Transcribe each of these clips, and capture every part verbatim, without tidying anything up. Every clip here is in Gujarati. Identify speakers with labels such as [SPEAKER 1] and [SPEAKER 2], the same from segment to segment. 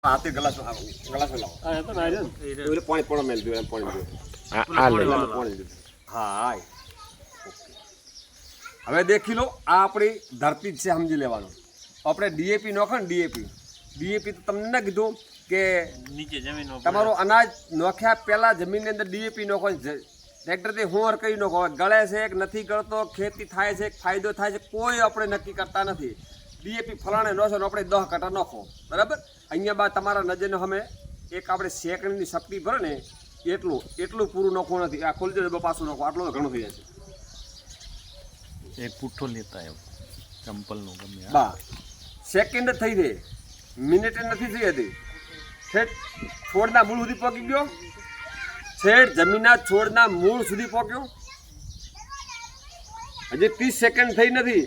[SPEAKER 1] હાથે ગ્લાસ ગ્લાસ લાવો આ તો ના રહ્યો એટલે પાણી પણ મેલ દો એમ પાણી દો
[SPEAKER 2] આ આ લે
[SPEAKER 1] પાણી દો હા હાય હવે દેખી લો આ આપણી ધરતી જ છે સમજી લેવાનું આપણે ડીએપી નોખો ને ડીએપી ડીએપી તો તમને ના કીધું કે
[SPEAKER 3] નીચે જમીન
[SPEAKER 1] તમારું અનાજ નોખ્યા પહેલા જમીનની અંદર ડીએપી નોખો ટ્રેક્ટરથી હોર કરી નોખો ગળે છે કે નથી ગળતો ખેતી થાય છે ફાયદો થાય છે કોઈ આપણે નક્કી કરતા નથી ડીએપી ફલાણે નોશો ને આપણે દહ કટા નોખો બરાબર અહીંયા બાદ તમારા નજરને અમે એક આપણે સેકન્ડની શક્તિ ભરે ને એટલું એટલું પૂરું નોખવું નથી આ ખોલી દો પાછું નોખો આટલું તો ઘણું થઈ જાય છે
[SPEAKER 2] એક પુઠ્ઠો લેતા આવ્યો ચંપલનો ગમે
[SPEAKER 1] બા સેકન્ડ જ થઈ ગઈ મિનિટ નથી થઈ હતી છેટ છોડના મૂળ સુધી પહોંચી ગયો છેટ જમીનના છોડના મૂળ સુધી પહોંચ્યો હજી ત્રીસ સેકન્ડ થઈ નથી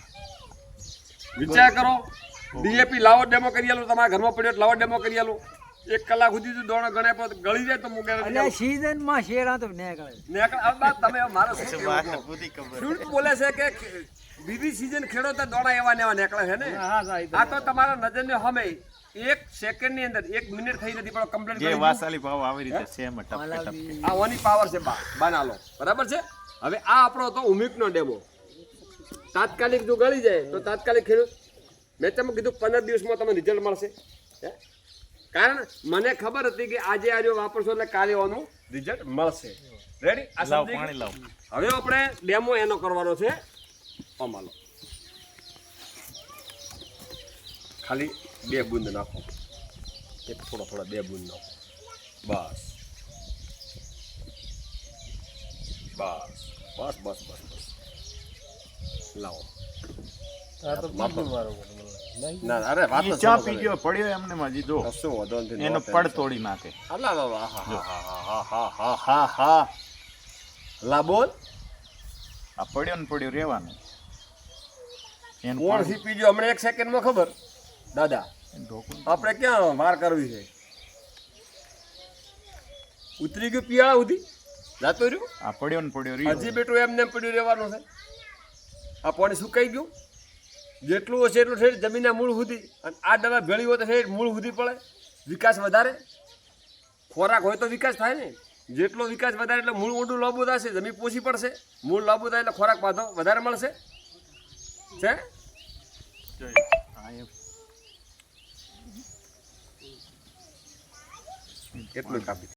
[SPEAKER 1] વિચાર કરો ડીએપી લાવો ડેમો કરી આલો તમારા ઘરમાં પડ્યો લાવો ડેમો કરી આલો એક કલાક સુધી તો દોણો ગણે પર ગળી જાય તો મુકે
[SPEAKER 4] એટલે સીઝન માં શેરા તો નીકળે
[SPEAKER 1] નીકળ આ વાત તમે મારો શું
[SPEAKER 3] વાત
[SPEAKER 1] કહેવું?
[SPEAKER 3] બધી ખબર
[SPEAKER 1] ખેડૂત બોલે છે કે બીજી સીઝન ખેડૂત દોણા એવા ને એવા નીકળે છે ને આ તો તમારા નજરને સામે એક સેકન્ડની અંદર એક મિનિટ થઈ નથી પણ કમ્પ્લીટ
[SPEAKER 2] જે
[SPEAKER 1] કરી
[SPEAKER 2] વાસાલી ભાવ આવી રીતે સેમ ટપકે ટપકે
[SPEAKER 1] આ ઓની પાવર છે બા બનાલો બરાબર છે હવે આ આપણો તો ઉમિકનો ડેમો તાત્કાલિક જો ગળી જાય તો તાત્કાલિક ખેડૂત મેં તમને કીધું પંદર દિવસમાં તમને રિઝલ્ટ મળશે હે કારણ મને ખબર હતી કે આજે આજે વાપરશો એટલે કાલે આનું રિઝલ્ટ મળશે રેડી આ
[SPEAKER 2] લાવ
[SPEAKER 1] સમજી
[SPEAKER 2] પાણી લાવ
[SPEAKER 1] ગયા? હવે આપણે ડેમો એનો કરવાનો છે અમાલો ખાલી બે બૂંદ નાખો એક થોડો થોડો બે બૂંદ નાખો બસ બસ બસ બસ બસ બસ લાવો ના ના, અરે વાત જ
[SPEAKER 2] ચા
[SPEAKER 1] સમજો
[SPEAKER 2] પી ગયો પડ્યો એમને માં જીધો
[SPEAKER 1] કશો વાંધો નથી
[SPEAKER 2] એનો પડ તોડી નાખે
[SPEAKER 1] અલા બાબા હા હા હા હા હા હા હા લા બોલ
[SPEAKER 2] આ પડ્યો ને પડ્યો રહેવાનું એનું
[SPEAKER 1] કોણ
[SPEAKER 2] પાણી-
[SPEAKER 1] સીપી ગયો હમણાં એક સેકન્ડમાં ખબર દાદા
[SPEAKER 2] એનું ઢોકળું.
[SPEAKER 1] આપણે ક્યાં વાર કરવી છે ઉતરી ગયું પિયાળા સુધી જાતો રહ્યું
[SPEAKER 2] આ પડ્યો ને પડ્યો રહ્યો
[SPEAKER 1] હજી બેટું એમને એમ પડ્યું રહેવાનું છે આ પાણી સુકાઈ ગયું જેટલું હશે એટલું ઠેઠ જમીનના મૂળ સુધી અને આ દવા ભેળી હોય તો ઠેઠ મૂળ સુધી પડે વિકાસ વધારે ખોરાક હોય તો વિકાસ થાય ને જેટલો વિકાસ વધારે એટલે મૂળ ઊંડું લાંબુ થશે જમીન પોષી પડશે મૂળ લાંબુ થાય એટલે ખોરાક પાછો વધારે મળશે છે
[SPEAKER 2] હા, એ
[SPEAKER 1] એટલું કાપી